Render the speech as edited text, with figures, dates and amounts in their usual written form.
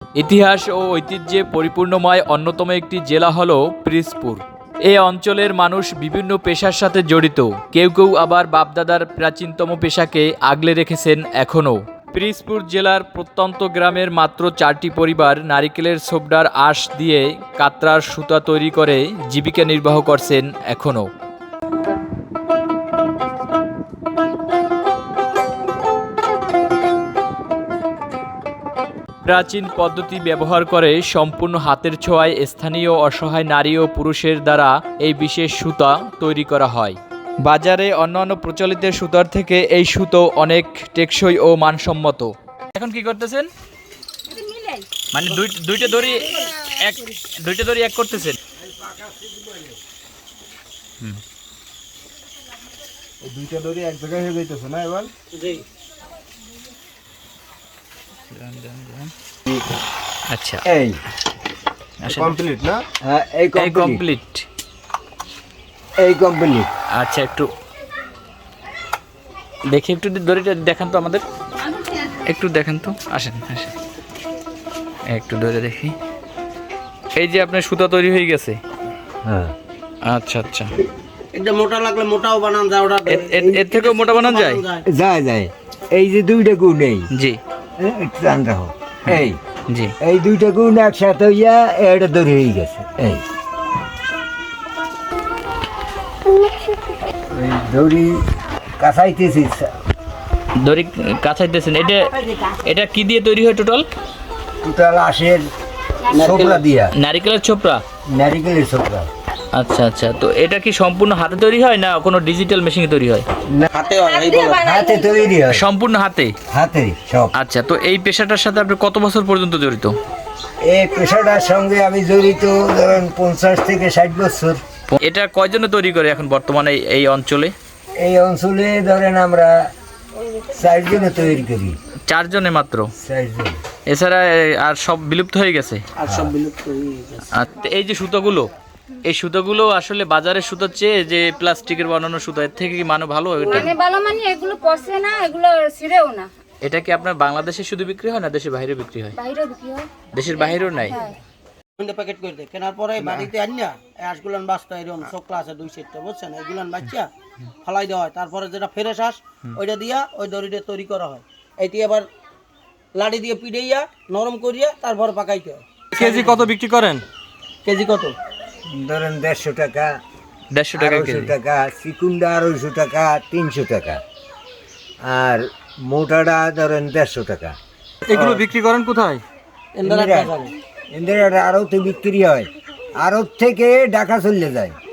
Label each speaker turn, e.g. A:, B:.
A: ইতিহাস ও ঐতিহ্যে পরিপূর্ণময় অন্যতম একটি জেলা হল পিরোজপুর। এই অঞ্চলের মানুষ বিভিন্ন পেশার সাথে জড়িত, কেউ কেউ আবার বাপদাদার প্রাচীনতম পেশাকে আগলে রেখেছেন এখনও। পিরোজপুর জেলার প্রত্যন্ত গ্রামের মাত্র 4টি পরিবার নারিকেলের ছোবড়ার আঁশ দিয়ে কাতরার সুতা তৈরি করে জীবিকা নির্বাহ করছেন এখনও। প্রাচীন পদ্ধতি ব্যবহার করে সম্পূর্ণ হাতের ছোঁয়ায় স্থানীয় অসহায় নারী ও পুরুষের দ্বারা এই বিশেষ সুতা তৈরি করা হয়। বাজারে অন্যান্য প্রচলিত সুতার থেকে এই সুতো অনেক টেকসই ও মানসম্মত। এখন কি করতেছেন? মানে দুইটা দড়ি এক করতেছেন।
B: দুইটা দড়ি এক জায়গায় হয়ে যাইতেছে না এবার?
A: আচ্ছা,
B: এই কমপ্লিট না?
C: হ্যাঁ, এই কমপ্লিট।
A: আচ্ছা, একটু দেখি, একটু দড়িটা দেখান তো আমাদের, একটু দেখান তো। আসেন একটু ধরে দেখি। এই যে আপনার সুতা তৈরি হয়ে গেছে।
C: হ্যাঁ,
A: আচ্ছা আচ্ছা,
D: এটা মোটা লাগলে মোটাও বানান যায়, ওটা
A: এর থেকেও মোটা বানানো যায়।
C: যায়। এই যে দুইটা গুণ, এই
A: জি
C: একটু টান রাখো, এই
A: জি,
C: এই দুইটা গুণ একসাথে হইয়া এটা দড়ি হয়ে গেছে। এই দড়ি কাছাইতেছি,
A: দড়ি কাছাইতেছেন। এটা কি দিয়ে তৈরি হয় টোটাল?
C: আঁশের ছোবড়া দিয়া,
A: নারিকেলের ছোপড়া।
C: নারিকেলের ছোবড়া।
A: আচ্ছা আচ্ছা, তো এটা কি সম্পূর্ণ হাতে তৈরি হয় না কোনো ডিজিটাল মেশিনে তৈরি হয়?
D: হাতে হয়, এই বলো।
C: হাতে তৈরি হয়,
A: সম্পূর্ণ হাতে
C: সব।
A: আচ্ছা, তো এই পেশাটার সাথে আপনি কত বছর পর্যন্ত জড়িত?
C: এই পেশাটার সঙ্গে আমি জড়িত ধরেন 50 থেকে 60 বছর।
A: এটা কয়জনে তৈরি করে এখন বর্তমানে এই অঞ্চলে?
C: এই অঞ্চলে ধরেন আমরা 4 জনে তৈরি করি।
A: 4 জনে মাত্র?
C: 4 জন।
A: এছাড়া আর সব বিলুপ্ত হয়ে গেছে?
D: আর সব বিলুপ্ত হয়ে গেছে।
A: আর এই যে এই সুতোগুলো আসলে বাজারের সুতোর চেয়ে যে প্লাস্টিকের বানানো সুতো, এর থেকে কি মানে ভালো?
E: মানে এগুলো পচে না, এগুলো ছিঁড়েও না।
A: এটা কি আপনার বাংলাদেশে শুধু বিক্রি হয় না দেশের বাইরে বিক্রি হয়?
E: বাইরেও বিক্রি হয়।
A: দেশের বাইরেও নাই?
D: প্যাকেট করে দেয়, কেনার পরে বাড়িতে আনিয়া এই আঁশগুলান বাঁচতে এরকম চোখলা আছে 2 সেটটা, বুঝছেন? এইগুলান বাচ্চা ফালাই দেওয়া হয়। তারপরে যেটা ফ্রেশ আঁশ ওইটা দিয়া ওই দড়িটা তৈরি করা হয়। এইটি আবার লাড়ি দিয়ে পিড়াইয়া নরম করিয়া তারপরে পাকাইতে হয়।
A: কেজি কত বিক্রি করেন?
D: কেজি কত?
C: ধরেন 150 টাকা,
A: 150 টাকা কেজি।
C: 200 টাকা, চিকুনটা 250 টাকা, 300 টাকা, আর মোটাটা ধরেন 150 টাকা।
A: এগুলো বিক্রি করেন কোথায়?
D: এন্দারা বাজারে।
C: এদের আড়তে বিক্রি হয়, আড়ত থেকে ঢাকা চলে যায়।